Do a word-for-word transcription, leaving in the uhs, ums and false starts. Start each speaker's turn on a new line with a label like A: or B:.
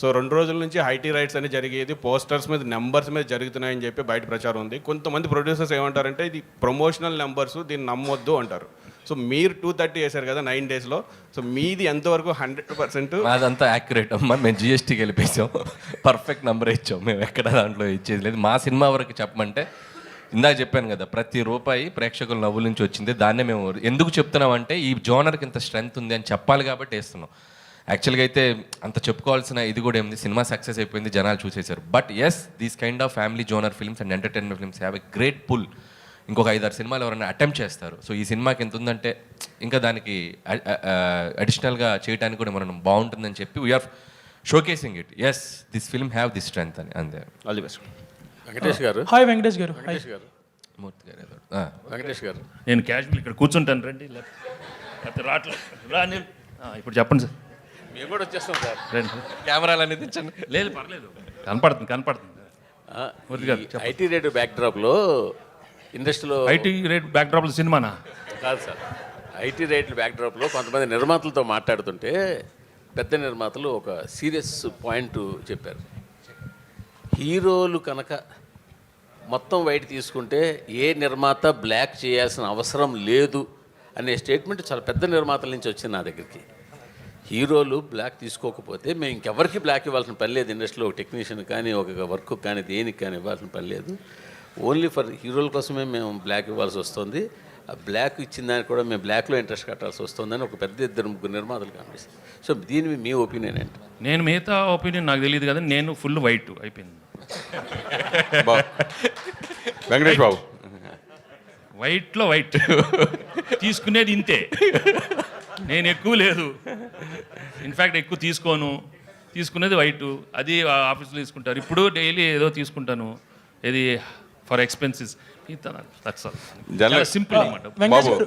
A: So రెండు రోజుల నుంచి ఐటీ రైట్స్ అని జరిగేది, పోస్టర్స్ మీద నెంబర్స్ మీద జరుగుతున్నాయని చెప్పి బయట ప్రచారం ఉంది. కొంతమంది ప్రొడ్యూసర్స్ ఏమంటారంటే ఇది ప్రమోషనల్ నెంబర్స్, దీన్ని నమ్మొద్దు అంటారు. సో మీరు టూ థర్టీ వేశారు కదా నైన్ డేస్లో, సో మీది ఎంతవరకు హండ్రెడ్ పర్సెంట్?
B: అదంతా యాక్యురేట్ అమ్మా. మేము జిఎస్టీకి వెళ్ళిపోయాం, పర్ఫెక్ట్ నెంబర్ ఇచ్చాం. మేము ఎక్కడ దాంట్లో ఇచ్చేది లేదు. మా సినిమా వరకు చెప్పమంటే ఇందాక చెప్పాను కదా, ప్రతి రూపాయి ప్రేక్షకుల నవ్వుల నుంచి వచ్చింది. దాన్నే మేము ఎందుకు చెప్తున్నామంటే ఈ జోనర్కి ఇంత స్ట్రెంగ్త్ ఉంది అని చెప్పాలి కాబట్టి వేస్తున్నాం. యాక్చువల్గా అయితే అంత చెప్పుకోవాల్సిన ఇది కూడా ఏముంది, సినిమా సక్సెస్ అయిపోయింది, జనాలు చూసేశారు. But yes, these kind of family genre films and entertainment films have a great pull. ఇంకొక ఐదారు సినిమాలు ఎవరైనా అటెంప్ట్ చేస్తారు. సో ఈ సినిమాకి ఎంత ఉందంటే ఇంకా దానికి అడిషనల్గా చేయడానికి కూడా మనం బాగుంటుందని చెప్పి we are showcasing it. Yes, this film have this strength అని. అంతే.
A: All the best.
C: వెంకటేష్ గారు.
D: హాయ్ వెంకటేష్ గారు.
C: వెంకటేష్ గారు.
B: మూర్తి గారు ఏదో.
C: వెంకటేష్ గారు,
E: నేను క్యాజువల్ ఇక్కడ కూర్చుంటాను రండి, లేకపోతే రావట్లేదు రా నేను. ఇప్పుడు చెప్పండి సార్.
C: మేము కూడా వచ్చేస్తాం సార్.
E: రండి.
B: కెమెరాలు అనేది తెచ్చండి.
E: లేదు పర్లేదు, కనపడుతుంది కనపడుతుంది. మూర్తి గారు చెప్పండి.
C: ఐటీ రేట్ బ్యాక్ డ్రాప్లో ఇండస్ట్రీలో
E: ఐటీ రేట్ బ్యాక్ డ్రాప్లో సినిమానా?
C: కాదు సార్, ఐటీ రేట్ల బ్యాక్ డ్రాప్లో కొంతమంది నిర్మాతలతో మాట్లాడుతుంటే పెద్ద నిర్మాతలు ఒక సీరియస్ పాయింట్ చెప్పారు. హీరోలు కనుక మొత్తం వైట్ తీసుకుంటే ఏ నిర్మాత బ్లాక్ చేయాల్సిన అవసరం లేదు అనే స్టేట్మెంట్ చాలా పెద్ద నిర్మాతల నుంచి వచ్చింది నా దగ్గరికి. హీరోలు బ్లాక్ తీసుకోకపోతే మేము ఇంకెవరికి బ్లాక్ ఇవ్వాల్సిన పని లేదు. ఇండస్ట్రీలో ఒక టెక్నీషియన్ కానీ ఒక వర్క్ కానీ దేనికి కానీ ఇవ్వాల్సిన పని లేదు. ఓన్లీ ఫర్ హీరోల కోసమే మేము బ్లాక్ ఇవ్వాల్సి వస్తుంది. ఆ బ్లాక్ ఇచ్చిన దానికి కూడా మేము బ్లాక్లో ఇంట్రెస్ట్ కట్టాల్సి వస్తుందని ఒక పెద్ద ఇద్దరు ముగ్గురు నిర్మాతలు కనిపిస్తుంది. సో దీని మీ ఒపీనియన్ ఏంటి?
E: నేను మిగతా ఒపీనియన్ నాకు తెలియదు కదా, నేను ఫుల్ వైట్ అయిపోయింది.
A: వెంకటేష్ బాబు,
E: వైట్లో వైట్ తీసుకునేది ఇంతే, నేను ఎక్కువ లేదు. ఇన్ఫ్యాక్ట్ ఎక్కువ తీసుకోను, తీసుకునేది వైట్. అది ఆఫీస్లో తీసుకుంటారు. ఇప్పుడు డైలీ ఏదో తీసుకుంటాను, ఇది ఫర్ ఎక్స్పెన్సెస్. సింపుల్ అనమాట.
A: బాబు